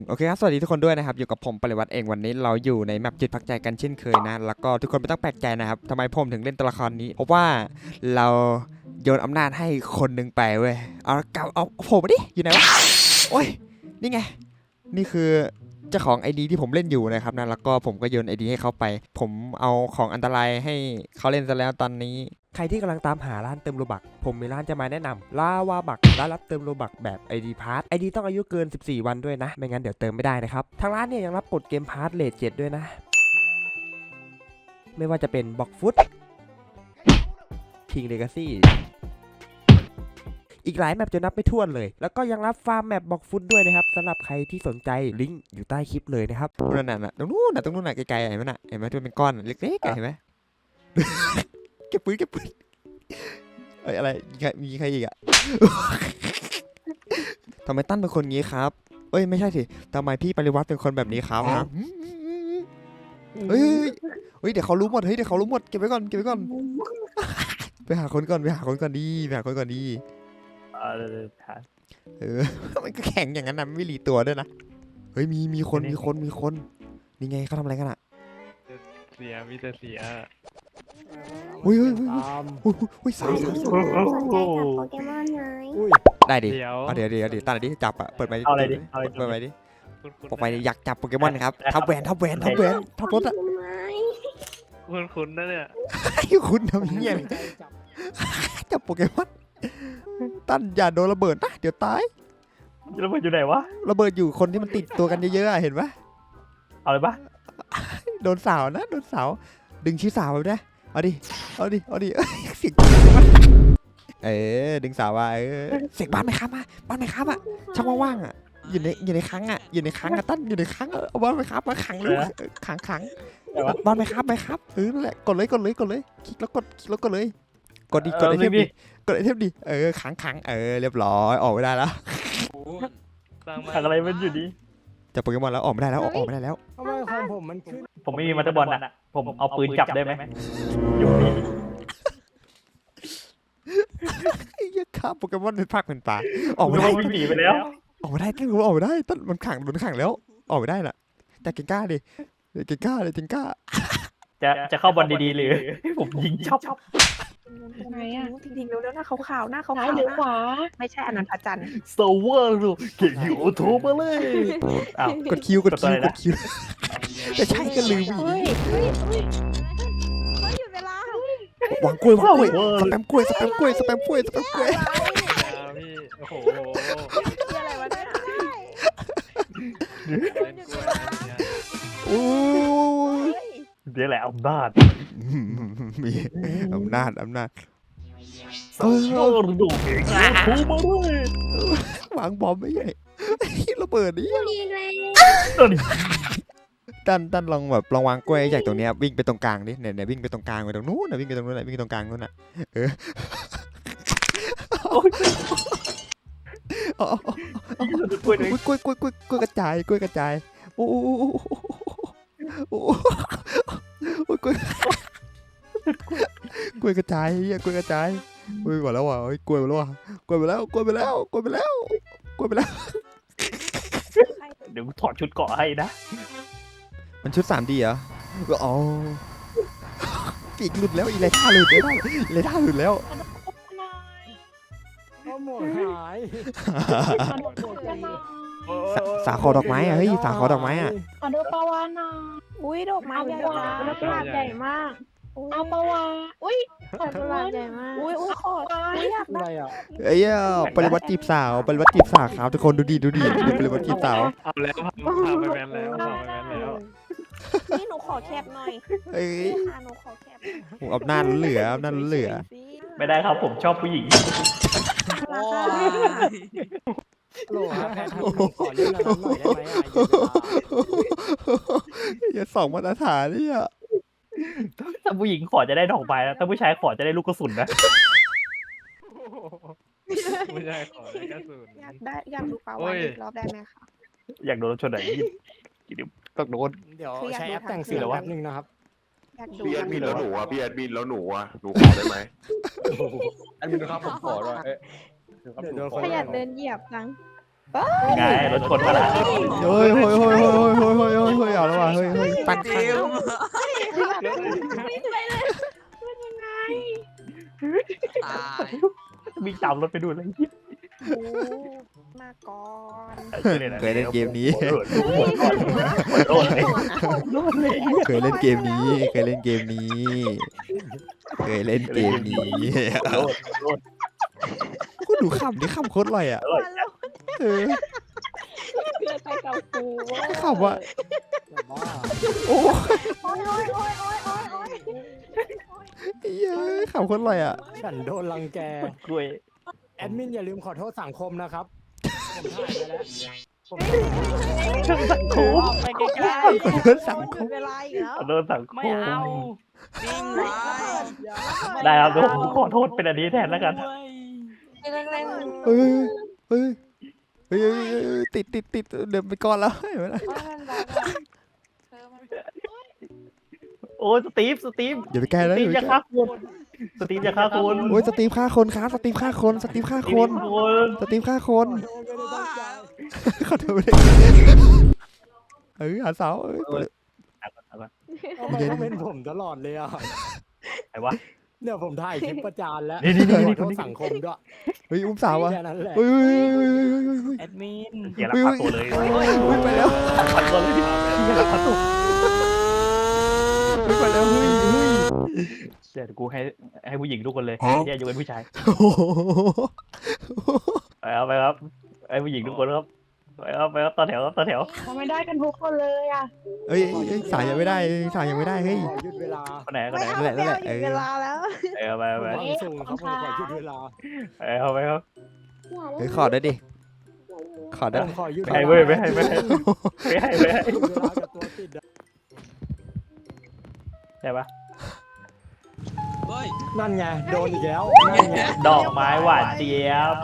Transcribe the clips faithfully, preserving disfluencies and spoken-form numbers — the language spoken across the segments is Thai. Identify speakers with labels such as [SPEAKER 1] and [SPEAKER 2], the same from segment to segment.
[SPEAKER 1] โอเคครับสวัสดีทุกคนด้วยนะครับอยู่กับผมปริวัติเองวันนี้เราอยู่ในแมปจิตพักใจกันเช่นเคยนะแล้วก็ทุกคนไม่ต้องแปลกใจนะครับทำไมผมถึงเล่นตัวละครนี้เพราะว่าเราโยนอำนาจให้คนหนึ่งไปเว้ยเอาเก่าเอาผมมาดิอยู่ไหนวะโอ้ยนี่ไงนี่คือเจ้าของ ไอ ดี ที่ผมเล่นอยู่นะครับนะแล้วก็ผมก็โยน ไอ ดี ให้เขาไปผมเอาของอันตรายให้เขาเล่นซะแล้วตอนนี้ใครที่กำลังตามหาร้านเติมโลบักผมมีร้านจะมาแนะนำลาวาบักร้านรับเติมโลบักแบบ ไอ ดี Pass ไอ ดี ต้องอายุเกินสิบสี่วันด้วยนะไม่งั้นเดี๋ยวเติมไม่ได้นะครับทางร้านเนี่ยยังรับกดเกมพาร์ทเลทเจ็ดด้วยนะไม่ว่าจะเป็นบ็อกฟุตคิงเลกาซี่อีกหลายแมปจะนับไม่ถ้วนเลยแล้วก็ยังรับฟาร์มแมปบ็อกฟุตด้วยนะครับสำหรับใครที่สนใจลิงก์อยู่ใต้คลิปเลยนะครับนั่นน่ะตรงนู้นน่ะตรงนู้นน่ะไกลๆเห็นไหมน่ะเห็นไหมที่มันเป็นก้อนเล็กๆเห็นไหม เก็บปืนเก็บปืนเอ้ยอะไรมีใครมีใครอีกอะ ทำไมตั้นเป็นคนงี้ครับเอ้ยไม่ใช่สิทำไมพี่ปริวัติเป็นคนแบบนี้ครับครับเฮ้ยเฮ้ยเดี๋ยวเขารู้หมดเฮ้ยเดี๋ยวเขารู้หมดเก็บไว้ก่อนเก็บไว้ก่อนไปหาคนก่อนไปหาคนก่อนดีไปหาคนก่อนดีเออมันก็แข็งอย่างนั้นนะไม่รีตัวด้วยนะเฮ้ยมีมีคนมีคนมีคนนี่ไงเขาทำอะไรกันอะ
[SPEAKER 2] เสียมีแต่เสีย
[SPEAKER 1] อุ้ยอุ้ยอุ้ยอุ้ยอุ้ยสาวสาวสาว
[SPEAKER 3] สนใจจับโปเกมอนไหม
[SPEAKER 1] ได้ดิ
[SPEAKER 2] เดี๋ยว
[SPEAKER 1] เอาเดี๋ยวเดี๋ยวเดี๋ยวตั้งดิจับอะเปิดไปดิ
[SPEAKER 4] เอาอะไรดิเอาอะไรดิ
[SPEAKER 1] เปิดไปดิ
[SPEAKER 2] คุณคุณ
[SPEAKER 1] บอกไปดิอยากจับโปเกมอนครับทับแหวนทับแหวนทับแหวนทับรถอะ
[SPEAKER 3] ทำไม
[SPEAKER 2] คุณคุณนะเนี่ย
[SPEAKER 1] ให้คุณทำเงี้ยเลยจับโปเกมอนตั้นอย่าโดนระเบิดนะเดี๋ยวตาย
[SPEAKER 4] แล้วมันอยู่ไหนวะ
[SPEAKER 1] ระเบิดอยู่คนที่มันติดตัวกันเยอะๆอะเห็นปะ
[SPEAKER 4] เอาเลยปะ
[SPEAKER 1] โดนสาวนะโดนสาวดึงชี้สาวไปนะเอาดิเอาดิเอาดิเอ้ยเสียงเออดึงสาวมาเออเสียงบ้านไหมครับมาบ้านไหมครับอะช่องว่างๆอะอยู่ในอยู่ในครั้งอะอยู่ในครั้งอะตั้นอยู่ในครั้งอะเอาบ้านไหมครับมาขังเลยขังขังบ้านไหมครับไหมครับเออนั่นแหละกดเลยกดเลยกดเลยคลิกแล้วกดคลิกแล้วกดเลยกดดิกดไอเทมดิกดไอเทมดิเออขังขังเออเรียบร้อยออกไม่ได้แล้ว
[SPEAKER 2] สร้างมา
[SPEAKER 4] ทางอะไรมันอยู่ดี
[SPEAKER 1] จับโปเกมอนแล้วออกไม่ได้แล้วออกไม่ได้แล้ว
[SPEAKER 5] ทำไมของผมมันขึ้น
[SPEAKER 4] ผมไม่มีมัตเตอร์บอลน่ะ ผมเอาปืนจับได้ไหมอยู่นี่
[SPEAKER 1] ไอ้ยักษ์ข้าโปเกมอนเป็นภาคเป็นป่าออก
[SPEAKER 4] ผม
[SPEAKER 1] ไม่ได้
[SPEAKER 4] วิ่งหนีไปแล้ว
[SPEAKER 1] ออกไม่ได้ตั้งรู้ออกไม่ได้ตั้งมันขังโดนขังแล้ว ออกไม่ได้น่ะแต่เก่งกล้าดิเก่งกล้าเลยเก่งกล้า
[SPEAKER 4] จะจะเข้าบอลดีๆหรือผมยิงช็อป
[SPEAKER 6] ไหนอ่ะ
[SPEAKER 3] จริงๆแล้วหน้าขาวๆหน้าขาว
[SPEAKER 6] ซ้าย
[SPEAKER 3] ๆ
[SPEAKER 6] หรือขวา
[SPEAKER 3] ไม่ใช่อันนั้นพระจันทร์
[SPEAKER 4] โซเวอร์ลูเก่งอยู่โทรมาเลยอ้าว
[SPEAKER 1] กดคิวกดคิว
[SPEAKER 4] กดอะไร
[SPEAKER 1] ก
[SPEAKER 4] นะ
[SPEAKER 1] ดคิวจะใช่ก็ลืมอีก
[SPEAKER 6] เฮ้ย
[SPEAKER 3] เฮ้ยเฮ้ยเฮ้ยหยุดเวลาว
[SPEAKER 1] างกล้วยวางกล้วยสแปมกล้วยสแปมกล้วยสแปมกล้วยสแปมกล้วย
[SPEAKER 2] พี่โอ้โห
[SPEAKER 3] ที่อะไรวะเนี่ย
[SPEAKER 1] โอ้ย
[SPEAKER 4] เดี๋ยวแหละอำนาจ
[SPEAKER 1] มีอำนาจอำนาจ
[SPEAKER 4] โซเวอร์ลูเก่งอยู่โทรมาเลยว
[SPEAKER 1] างบอมไม่ใหญ่ระเบิดนี่
[SPEAKER 3] ดีเลย
[SPEAKER 1] ตั้นตั้นลองแบบลองวางกล้วยใหญ่ตรงเนี้ยวิ่งไปตรงกลางดิเนี่ยเนี่ยวิ่งไปตรงกลางไปตรงนู้นนะวิ่งไปตรงนู้นนะวิ่งไปตรงกลางนู้นน่ะเอออ๋อ
[SPEAKER 4] กล้วยเลย
[SPEAKER 1] กล้วยกล้วยกล้วยกล้วยกระจายกล้วยกระจายโอ้โหโอ้โหกล้วยกล้วยกระจายเฮียกล้วยกระจายกล้วยหมดแล้วว่ะกล้วยหมดแล้วว่ะกล้วยไปแล้วกล้วยไปแล้วกล้วยไปแล้วกล้วยไปแล้ว
[SPEAKER 4] เดี๋ยวถอดชุดเกาะให้นะ
[SPEAKER 1] มันชุด สาม ดี เหรออ๋อปีกหลุดแล้วอีเลท่าหลุดแล้วอีเลท่าหลุดแล้ว
[SPEAKER 5] ก็หมดหาย
[SPEAKER 1] สาสาคอดอกไม้อะเฮ้ยสาคอดอกไม้อะ
[SPEAKER 6] ขอดูปลาวาฬหน่อย
[SPEAKER 3] อุ้ยดอกไม้
[SPEAKER 6] เอา
[SPEAKER 3] ใหญ่
[SPEAKER 6] ปลาวาฬ
[SPEAKER 3] มาก
[SPEAKER 6] ปลาใหญ่มาก เอาปลาวาฬอุ้ยขอดูปลาใหญ่มาก
[SPEAKER 3] อุ้ยอุ้ยขออุ้ยอยาก
[SPEAKER 5] อะไร
[SPEAKER 3] ได้
[SPEAKER 5] อ่ะ
[SPEAKER 1] เอ้ยปริวัติจีบสาวปริวัติจีบสาวครับทุกคนดูดีดูดีดูปริวัติจีบสาว
[SPEAKER 2] เอาแล้วพาไปแมนแล้วพาไปแมนแล้ว
[SPEAKER 3] นี่หนูขอแคปหน่อย
[SPEAKER 1] เอ้ย
[SPEAKER 3] ค่ะหนูขอแคป
[SPEAKER 1] ผมอำนาจเหลืออำนาจเหลือ
[SPEAKER 4] ไม่ได้ครับผมชอบผู้หญิง
[SPEAKER 3] โอ้ย
[SPEAKER 5] โหลครับแพทย์ครับขอเล่นอะไรหน่อยได้ไหมอ่ะ
[SPEAKER 1] อย่าสองมาตรฐานนี่อ่ะ
[SPEAKER 4] ถ้าผู้หญิงขอจะได้ดอกไม้นะถ้าผู้ชายขอจะได้ลูกกระสุนนะ
[SPEAKER 2] ไม่ใช่ขอได้กระสุน
[SPEAKER 3] อยากได้อยากดูปลา
[SPEAKER 2] โอ้
[SPEAKER 3] วาน
[SPEAKER 2] ย
[SPEAKER 3] อีกรอบได้ไหมคะ
[SPEAKER 4] อยากโดนชนไหนเดี๋ยวต้องโดน
[SPEAKER 5] เดี๋ยวใช้แอปแต่งเสียงแป๊บนึงนะครับ
[SPEAKER 3] อยากดู
[SPEAKER 7] พี่แอดมิน
[SPEAKER 3] ทั้
[SPEAKER 7] แล้ว
[SPEAKER 3] ง
[SPEAKER 7] หนู
[SPEAKER 3] รถ
[SPEAKER 7] อ่ะพี่แอดมินแล้วหนูอ่ะหนูขอได้ไหม
[SPEAKER 8] แอดมินครับผมขอด้วยเอ๊ะ
[SPEAKER 5] เดี๋ยวโดน
[SPEAKER 6] ขยันเดินเหยียบจัง
[SPEAKER 4] ไงรถชนมาแล้ว
[SPEAKER 1] เฮ้ยเฮ้ยเฮ้ยเฮ้ยเฮ้ยเฮ้ยเฮ้ยเฮ้ยเฮ้ยเอาแล้วว่ะเฮ้ยเฮ้ยตั้งข้าง
[SPEAKER 8] ตาย
[SPEAKER 4] วิ่งตามรถไปดูเลย
[SPEAKER 3] โอ้มาก่อน
[SPEAKER 1] เคยเล่นเกมนี้
[SPEAKER 4] โดนเลยโดนเลย
[SPEAKER 1] เคยเล่นเกมนี้ เคยเล่นเกมนี้ เคยเล่นเกมนี้
[SPEAKER 4] โดนโดน
[SPEAKER 1] กูดูขำดิขำโคตรอร่อยอ่ะเออ
[SPEAKER 6] เกิดไปกับกู
[SPEAKER 1] ขำอ่ะ
[SPEAKER 5] แบบว่า
[SPEAKER 1] โอ้
[SPEAKER 3] โอ้ยโอ้ยโอ้ยโอ้ยโอ้ยโอ้ย
[SPEAKER 1] ยเฮ้ยขำโคตรอร่อยอ่ะ
[SPEAKER 5] ฉันโดนรังแก
[SPEAKER 4] กล้วย
[SPEAKER 5] แอดมินอย่าลืมขอโทษสังคมนะครับผมถ่ายไปแล้วผม
[SPEAKER 4] สังคม
[SPEAKER 5] ไปใกล้
[SPEAKER 1] ขอโทษสังคม
[SPEAKER 3] เวลาอีกแล้ว
[SPEAKER 4] โดนสังคม
[SPEAKER 8] นิ่งไว้
[SPEAKER 4] ได้ครับผมขอโทษเป็นอันนี้แทนแล้วกัน
[SPEAKER 1] เฮ้ยเฮ้ยเฮ้ยเฮ้ยเฮ้ยติดติดติดเดี๋ยวไปก่อนแล้วเห็นไหมล่ะ
[SPEAKER 4] โอ้สตีฟสตีฟ
[SPEAKER 1] อย่าไปแก้
[SPEAKER 4] ส
[SPEAKER 1] นะ
[SPEAKER 4] ตี
[SPEAKER 1] อ
[SPEAKER 4] ฟ
[SPEAKER 1] ย่าไป
[SPEAKER 4] จะ
[SPEAKER 1] แก้
[SPEAKER 4] ฆ่าคุณสตีฟจะฆ่าคุณ
[SPEAKER 1] โอ้ยสตีฟฆ่าคนครับสตีฟฆ่าคนสตีฟฆ่าคน
[SPEAKER 4] คุณ
[SPEAKER 1] สตีฟฆ่าคน
[SPEAKER 5] ๆไม่ได้ตั้งใจ
[SPEAKER 1] ขอโทษไม่ได้เออหาเสาเอ้ย
[SPEAKER 5] ทำไมต้องเป็นผมตลอดเลยอ่ะ
[SPEAKER 4] ไหนวะ
[SPEAKER 5] เนี่ยผมถ่ายคลิปประจานแล้ว
[SPEAKER 4] นี่นี่นี่
[SPEAKER 5] ขอ
[SPEAKER 4] นี่
[SPEAKER 5] โทษสังคมด้วย
[SPEAKER 1] เฮ้ยอุ้มสาวอ่ะ
[SPEAKER 5] แค่นั้นแหละ
[SPEAKER 1] เฮ้ยเฮ้ยเฮ้ยเฮ้ยเฮ้ยเฮ้ย
[SPEAKER 8] แอดมิน
[SPEAKER 4] อย่าลักพาตัวเลย
[SPEAKER 1] เฮ้ยไปแล้ว
[SPEAKER 4] พาตัวเลยอย่าลักพาตัว
[SPEAKER 1] เฮ้ยไปแล้วเฮ้ยเฮ้ย
[SPEAKER 4] เดี๋ยวกูให้ให้ผู้หญิงทุกคนเลยอย่าอยู่เป็นผู้ชาย
[SPEAKER 1] โอ้โห
[SPEAKER 4] ไปครับไปครับให้ผู้หญิงทุกคนครับไปครับไปครับต่อแถวครับต่อแถว
[SPEAKER 6] ทำไมได้กันทุกคนเลยอ่ะ
[SPEAKER 1] เฮ้ยเฮ้ยสายยังไม่ได้สายยังไม่ได้เฮ้ย
[SPEAKER 5] ขอหยุดเวลา
[SPEAKER 4] คนไหนคน
[SPEAKER 3] ไม่
[SPEAKER 4] ไหน
[SPEAKER 3] เอาไม่เอาหยุดเวลาแล้ว
[SPEAKER 4] ไปครับไปไป
[SPEAKER 5] วางสูงครับผมขอหยุดเวลา
[SPEAKER 4] ไปครับไปครับ
[SPEAKER 1] เฮ้ยขอได้ดิขอได้
[SPEAKER 5] ผมขอหยุด
[SPEAKER 4] ไม่ให้เว้ยไม่ให้ไม่ให้ไม่ให้ไม่ให้
[SPEAKER 5] หยุดเวลากับตัวติดอะ
[SPEAKER 4] ได้ปะ
[SPEAKER 8] เฮ้ย
[SPEAKER 5] นั่นไงโดนอีกแล้วนั่นไง
[SPEAKER 4] ดอกไม้หวานเจี๊ยบ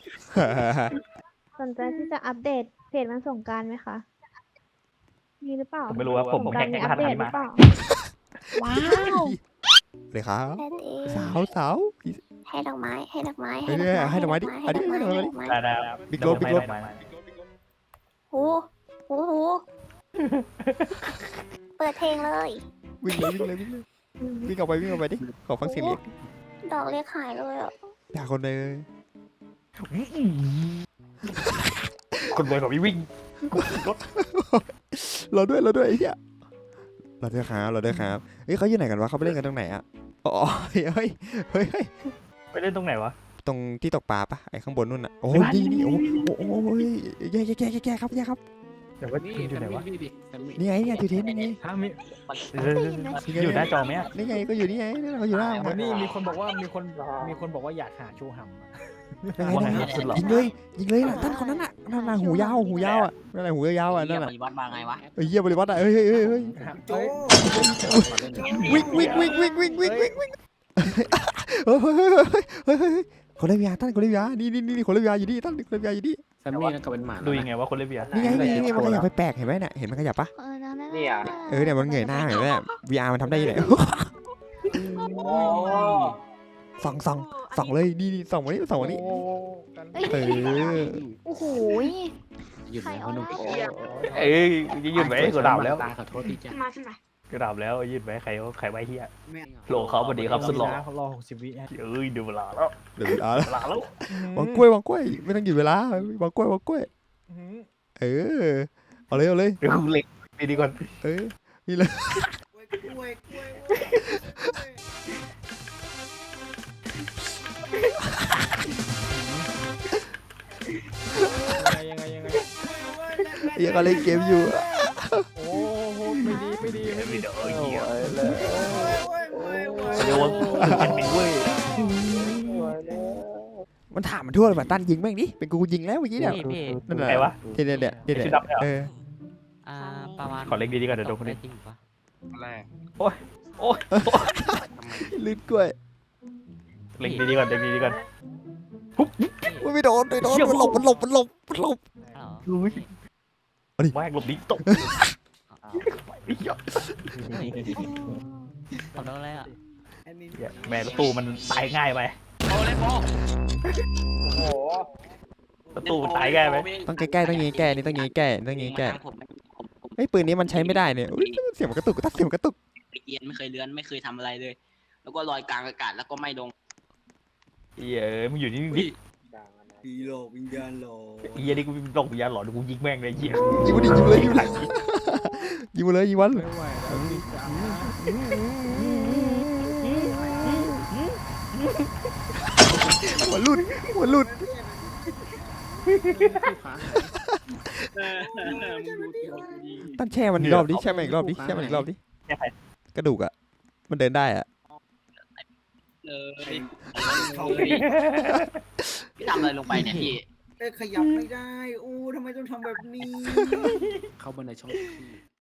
[SPEAKER 9] สนใจที่จะอัปเดตเพจวันสงกรารไหมคะ มีหรือเปล่า
[SPEAKER 4] ผมไม่รู้ว่าผมผม
[SPEAKER 9] สงก
[SPEAKER 4] แฮ
[SPEAKER 9] ราก ร
[SPEAKER 4] แฮ
[SPEAKER 9] มี
[SPEAKER 4] ก
[SPEAKER 9] อั
[SPEAKER 4] ร
[SPEAKER 9] ป
[SPEAKER 4] หัส
[SPEAKER 9] เดต
[SPEAKER 4] นี้
[SPEAKER 9] หรือ
[SPEAKER 4] มา
[SPEAKER 9] เปล่า
[SPEAKER 6] ว้าว
[SPEAKER 1] เลยครับ
[SPEAKER 6] แค่นี้
[SPEAKER 1] สาวสาว
[SPEAKER 6] ให้ดอกไม้ให้ดอกไม้
[SPEAKER 1] เฮ้ยเนี่ยให้ดอกไม้ดิอันนี้ให้ดอกไม้ดิ
[SPEAKER 6] ไม้
[SPEAKER 4] ได้ได้
[SPEAKER 1] บิ๊กโลบิ๊กโล
[SPEAKER 6] หูหูหูเปิดเพลงเลย
[SPEAKER 1] วิ่งเลยวิ่งเลยวิ่งเลยวิ่งออกไปวิ่งออกไปดิขอฟังเสียงเรียก
[SPEAKER 6] ดอกเรียกขายเลยอ่ะ
[SPEAKER 1] ด่าคนเลย
[SPEAKER 4] คนรวยของพี่วิ่งรถ
[SPEAKER 1] เราด้วยเราด้วยไอ้เหี้ยเราด้วยครับเราด้วยครับเฮ้ยเขาอยู่ไหนกันวะเขาไปเล่นกันตรงไหนอ่ะอ๋อเฮ้ยเฮ้ยเฮ้ย
[SPEAKER 4] ไปเล่นตรงไหนวะ
[SPEAKER 1] ตรงที่ตกปลาปะไอ้ข้างบนนู่นอ่ะโอ้ยนี่นี่โอ้โหแย่แย่แย่แย่ครับแย่ครับ
[SPEAKER 4] เดี๋ยวว่าอยู่ไหนวะ
[SPEAKER 1] นี่ไงเนี่ยอยู่เทนนี่ไง
[SPEAKER 5] ถ้ามี
[SPEAKER 4] อยู่หน้าจอไหมอ่ะ
[SPEAKER 1] นี่ไงก็อยู่นี่ไงนี่เราอยู่หน้า
[SPEAKER 5] วันนี้มีคนบอกว่ามีคนมีคนบอกว่าอยากหาชูหำอะ
[SPEAKER 4] ว่าไงครับสุดหล่อ
[SPEAKER 1] ยิงเลยยิงเลยนะท่านคนนั้นอ่ะนั่นน่ะหูยาวหูยาวอ่ะนั่นแหละหูยาวอ่ะนั่นแหละ
[SPEAKER 8] ปฏิวัติมาไงวะ
[SPEAKER 1] เฮ้ยเยี่ยบริวัตอ่ะเฮ้ยเฮ้ยเฮ้ยเฮ้ย
[SPEAKER 5] โอ้ย
[SPEAKER 1] วิ่งวิ่งวิ่งวิ่งวิ่งวิ่งวิ่งวิ่งเฮ้ยเฮ้ยเฮ้ยเฮ้ยเฮ้ยเฮ้ยคนเล่นยาท่านคนเล่นยานี่นี่นี่คนเล่นยาอยู่นี่ท่านคนเล่นยาอยู่นี่
[SPEAKER 2] แซมมี่นั่นก็เป็นหมา
[SPEAKER 4] ดูยังไงว่าคนเล่นเบียร์
[SPEAKER 1] นี่ไงนี่ไงมันขยับไปแปลกเห็นไหมเนี่ยเห็นมันขยับปะ
[SPEAKER 9] เออนั่น
[SPEAKER 8] นี่อ่ะ
[SPEAKER 1] เออเนี่ยมันเงยหน้าเห็นไหมเนี่ย วี อาร์ มันทำได้ยังไงส่องส่องส่องเลยนี่นี่ส่องมานี่ส่องมานี่เออ
[SPEAKER 9] โอ้โห
[SPEAKER 8] หยุด
[SPEAKER 9] ใคร
[SPEAKER 8] แล้ว
[SPEAKER 9] เอา
[SPEAKER 8] ห
[SPEAKER 9] ห
[SPEAKER 8] นุ่ม
[SPEAKER 9] น้า
[SPEAKER 4] เอ้ยยืดไว้กูดาบแล้ว
[SPEAKER 8] ตาขอโทษทีจ้ะ
[SPEAKER 6] มาขึ้นมา
[SPEAKER 4] กูดาบแล้วยืดไว้ใครใครไว้เฮียโหลเขาพอดีครับสุดหล่อ
[SPEAKER 5] เขารอหกสิบวิฮะ
[SPEAKER 4] เอ้ยดูเวลาแล้ว
[SPEAKER 1] เดี๋ยววี อาร์
[SPEAKER 4] เวลาแล้ว
[SPEAKER 1] วางกล้วยวางกล้วยไม่ต้องหยุดเวลาวางกล้วยวางกล้วยเออเอาเลยเอาเลย
[SPEAKER 4] เดี๋ยวกูเล็กดีดีก่อน
[SPEAKER 1] เออนี่เลย
[SPEAKER 5] ยังไงยังไง
[SPEAKER 1] ยังก็เล่นเกมอยู่
[SPEAKER 5] โอ้โหไม่ดีไม่ดีไม่ดี
[SPEAKER 4] วิดีโอเฮียเดี๋ยวเป็นเป็นเว้ย
[SPEAKER 1] มันถามมันทั่วเลยว่าตั้นยิงแม่งดิเป็นกูยิงแล้วเมื่อกี้เนี่ย
[SPEAKER 8] พี่พี่
[SPEAKER 1] นั่นแหละ
[SPEAKER 4] ใครวะ
[SPEAKER 1] เนี่ยเนี่ยเนี่ยเนี่ย
[SPEAKER 4] ชุดดำเนี่ยเหรอ
[SPEAKER 1] เออ
[SPEAKER 8] อ่าประมาณ
[SPEAKER 4] ขอเล็กดีๆก่อนเดี๋ยวโดนคน
[SPEAKER 8] ได้
[SPEAKER 4] นี้
[SPEAKER 8] จริงปะ
[SPEAKER 2] แรก
[SPEAKER 1] ลื่นกล้วย
[SPEAKER 4] เล็กดีๆก่อนเล็กดีๆก่อน
[SPEAKER 1] มันไม่โดนไม่โดนมันหลบมันหลบมันหลบมันหลบ
[SPEAKER 8] อ้าว
[SPEAKER 4] อุ้ย
[SPEAKER 1] เอาดิ
[SPEAKER 4] แม่งหลบดิตก
[SPEAKER 8] อ้าวทำได้อะไรอ่ะ
[SPEAKER 4] แม่ประตูมันตายง่ายไป
[SPEAKER 8] โอ้เล่นโบ
[SPEAKER 4] เประตูตายง่ายไหม
[SPEAKER 1] ต้องใกล้ๆต้องยิงแก่นี่ต้องยิงแก่ต้องยิงแก่เฮ้ยปืนนี้มันใช้ไม่ได้เนี่ยอุ๊ยเสียงมันกระตุกกระตักเสียงมันกระตุก
[SPEAKER 10] เอียนไม่เคยเลื้อนไม่เคยทำอะไรเลย แล้วก็ลอยกลางอากาศแล้วก็ไม่ลง
[SPEAKER 4] เหี้ยเอ้ยมึงอยู่นี่ดิ
[SPEAKER 5] ผีหลอกวิญญาณหลอก
[SPEAKER 4] เหี้ยนี่กูหลงวิญญาณหลอนกูยิงแม่งเลยเหี้ย
[SPEAKER 1] ยิงมันดิยิงมันเลยยิงมันเลยยิงมันเลยยิงมัน
[SPEAKER 5] ไม่ไหวแล้วพี่จ๋า
[SPEAKER 1] หัวหลุดหัวหลุด ตั้นแช่มันอีกรอบดิแช่มันอีกรอบดิแช่มันอีกรอบดิ
[SPEAKER 4] แค่ใคร
[SPEAKER 1] กระดูกอ่ะมันเดินได้อ่ะ
[SPEAKER 10] เลยพี่ทำอะไรลงไปเนี่ยพี่
[SPEAKER 5] เอ้ยขยับไม่ได้อู้ทำไมต้องทำแบบนี้ เข้ามาในช่องพี่